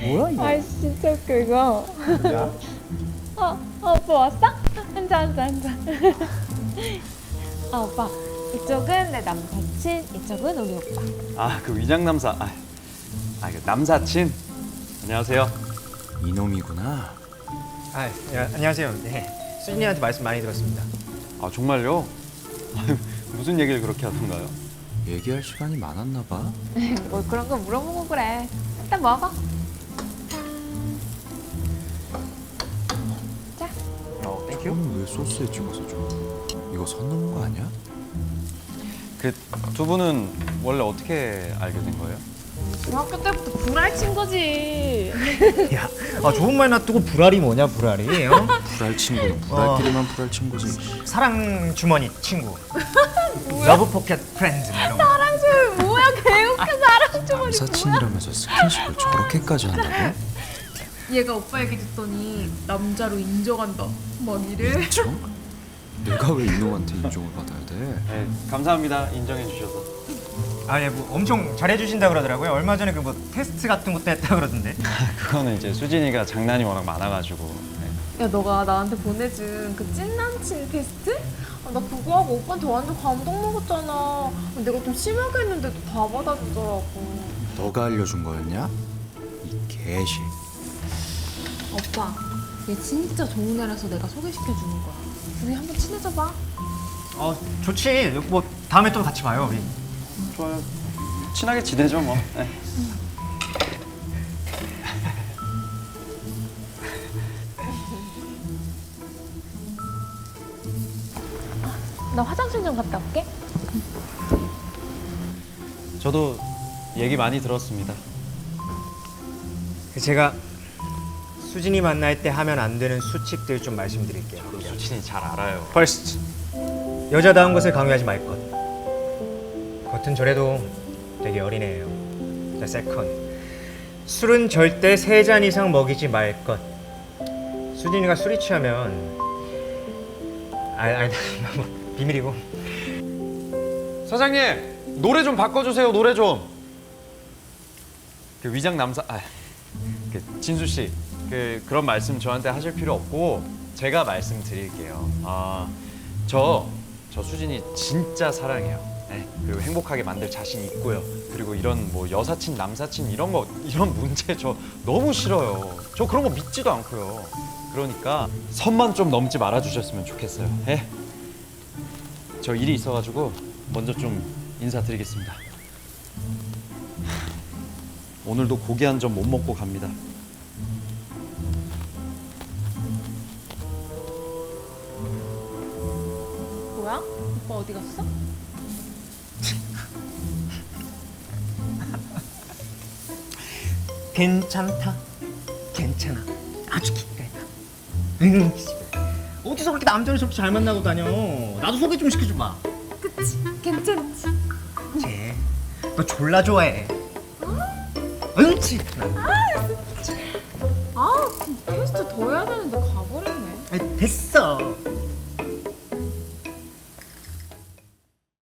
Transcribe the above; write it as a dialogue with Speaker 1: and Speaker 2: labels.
Speaker 1: 뭐야 이거?
Speaker 2: 아이 진짜 웃겨 이거.
Speaker 1: 야?
Speaker 2: 오빠 왔어? 앉아. 오빠 이쪽은 내 남사친, 이쪽은 우리 오빠.
Speaker 3: 아, 그 위장남사. 그 남사친. 안녕하세요.
Speaker 1: 이놈이구나.
Speaker 4: 안녕하세요. 네, 수진이한테 말씀 많이 들었습니다.
Speaker 3: 아, 정말요? 무슨 얘기를 그렇게 하던가요?
Speaker 1: 얘기할 시간이 많았나 봐.
Speaker 2: 뭘 그런 거 물어보고 그래. 일단 먹어. 자.
Speaker 4: 땡큐.
Speaker 1: 왜 소스에 찍어서 줘? 이거 선 넘은 거 아니야?
Speaker 3: 그 두 분은 원래 어떻게 알게 된 거예요?
Speaker 2: 중학교 때부터 불알 친 거지.
Speaker 4: 야, 좋은 말 놔두고 불알이 뭐냐 불알이? 어?
Speaker 1: 불알 친구는 불알끼리만 불알 친구지.
Speaker 4: 사랑 주머니 친구. 러브 포켓 프렌즈 뭐 이런 거.
Speaker 2: 사랑 주머니 뭐야? 개웃겨 사랑 주머니 뭐야?
Speaker 1: 남사친이라면서 스킨십을 저렇게까지 한다고?
Speaker 5: 얘가 오빠 얘기 듣더니 남자로 인정한다 막 이래.
Speaker 1: 인정? 내가 왜 이놈한테 인정을 받아야 돼?
Speaker 3: 네, 감사합니다. 인정해 주셔서.
Speaker 4: 뭐 엄청 잘해주신다 그러더라고요. 얼마 전에 그 뭐 테스트 같은 것도 했다 그러던데.
Speaker 3: 그거는 이제 수진이가 장난이 워낙 많아가지고. 네.
Speaker 5: 야 너가 나한테 보내준 그 찐남친 테스트? 나 그거 하고 오빠한테 완전 감동 먹었잖아. 내가 좀 심하게 했는데도 다 받아주더라고.
Speaker 1: 너가 알려준 거였냐? 이 개시.
Speaker 5: 오빠 얘 진짜 좋은 애라서 내가 소개시켜주는 거야. 우리 한번 친해져봐.
Speaker 4: 좋지. 뭐 다음에 또 같이 봐요 우리.
Speaker 3: 좋아요. 친하게 지내죠 뭐. 네.
Speaker 2: 나 화장실 좀 갔다 올게.
Speaker 3: 저도 얘기 많이 들었습니다.
Speaker 4: 제가 수진이 만날 때 하면 안 되는 수칙들 좀 말씀드릴게요.
Speaker 3: 수진이 잘 알아요.
Speaker 4: First, 여자다운 것을 강요하지 말 것. 겉은 저래도 되게 어린애예요. The second, 술은 절대 3잔 이상 먹이지 말 것. 수진이가 술이 취하면 뭐 비밀이고.
Speaker 3: 사장님, 노래 좀 바꿔주세요. 노래 좀. 그 위장 남사, 그 진수 씨, 그런 말씀 저한테 하실 필요 없고 제가 말씀드릴게요. 저 수진이 진짜 사랑해요. 네, 그리고 행복하게 만들 자신 있고요. 그리고 이런 뭐 여사친, 남사친 이런 문제 저 너무 싫어요. 저 그런 거 믿지도 않고요. 그러니까 선만 좀 넘지 말아주셨으면 좋겠어요. 예? 저 일이 있어가지고 먼저 좀 인사드리겠습니다. 오늘도 고기 한 점 못 먹고 갑니다.
Speaker 5: 뭐야? 오빠 어디 갔어?
Speaker 4: 괜찮다. 괜찮아. 아주 기깔나. 어디서 그렇게 남자를 저렇게 잘 만나고 다녀? 나도 소개 좀 시켜줘봐.
Speaker 5: 그치 괜찮지.
Speaker 4: 쟤, 너 졸라 좋아해. 응치.
Speaker 5: 테스트 더 해야 되는데 가버렸네.
Speaker 4: 됐어.